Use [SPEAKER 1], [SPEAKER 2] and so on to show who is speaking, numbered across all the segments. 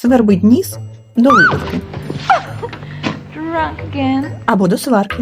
[SPEAKER 1] Свербить ніс до випивки.
[SPEAKER 2] Drunk again.
[SPEAKER 1] Або до сварки.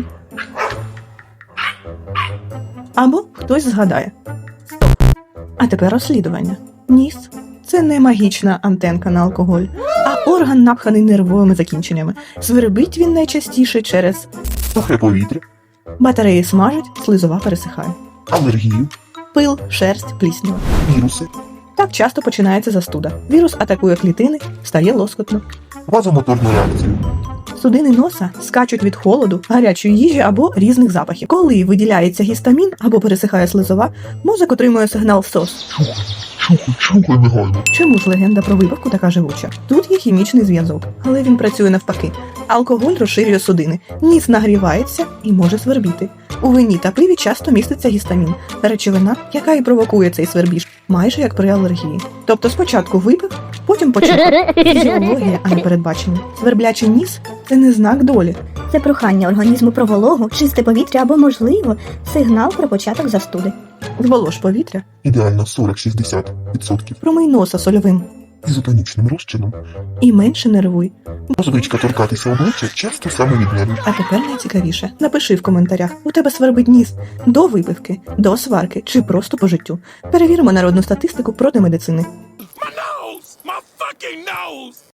[SPEAKER 1] Або хтось згадає. Стоп. А тепер розслідування. Ніс – це не магічна антенка на алкоголь, а орган, напханий нервовими закінченнями. Свербить він найчастіше через
[SPEAKER 3] Сухе повітря,
[SPEAKER 1] батареї смажать, слизова пересихає.
[SPEAKER 3] алергію,
[SPEAKER 1] Пил, шерсть, пліснява.
[SPEAKER 3] віруси,
[SPEAKER 1] Так часто починається застуда. Вірус атакує клітини, стає лоскотно.
[SPEAKER 3] вазомоторну реакцію,
[SPEAKER 1] Судини носа скачуть від холоду, гарячої їжі або різних запахів. Коли виділяється гістамін або пересихає слизова, мозок отримує сигнал СОС.
[SPEAKER 3] чухай негайно.
[SPEAKER 1] Чому ж легенда про випивку така живуча? Тут є хімічний зв'язок, але він працює навпаки. Алкоголь розширює судини, ніс нагрівається і може свербіти. У вині та пиві часто міститься гістамін, речовина, яка і провокує цей свербіж, майже як при алергії. Тобто спочатку випив, потім почекав. Фізіологія, а не передбачення. Сверблячий ніс – це не знак долі.
[SPEAKER 4] Це прохання організму про вологу, чисте повітря або, можливо, сигнал про початок застуди.
[SPEAKER 1] Зволож повітря,
[SPEAKER 3] Ідеально 40-60%.
[SPEAKER 1] промий носа сольовим
[SPEAKER 3] Ізотонічним розчином.
[SPEAKER 1] і менше нервуй.
[SPEAKER 3] Звичка торкатися обличчя часто саме від нервів.
[SPEAKER 1] А тепер найцікавіше. Напиши в коментарях, у тебе свербить ніс до випивки, до сварки чи просто по життю. Перевіримо народну статистику проти медицини.
[SPEAKER 5] My nose! My fucking nose!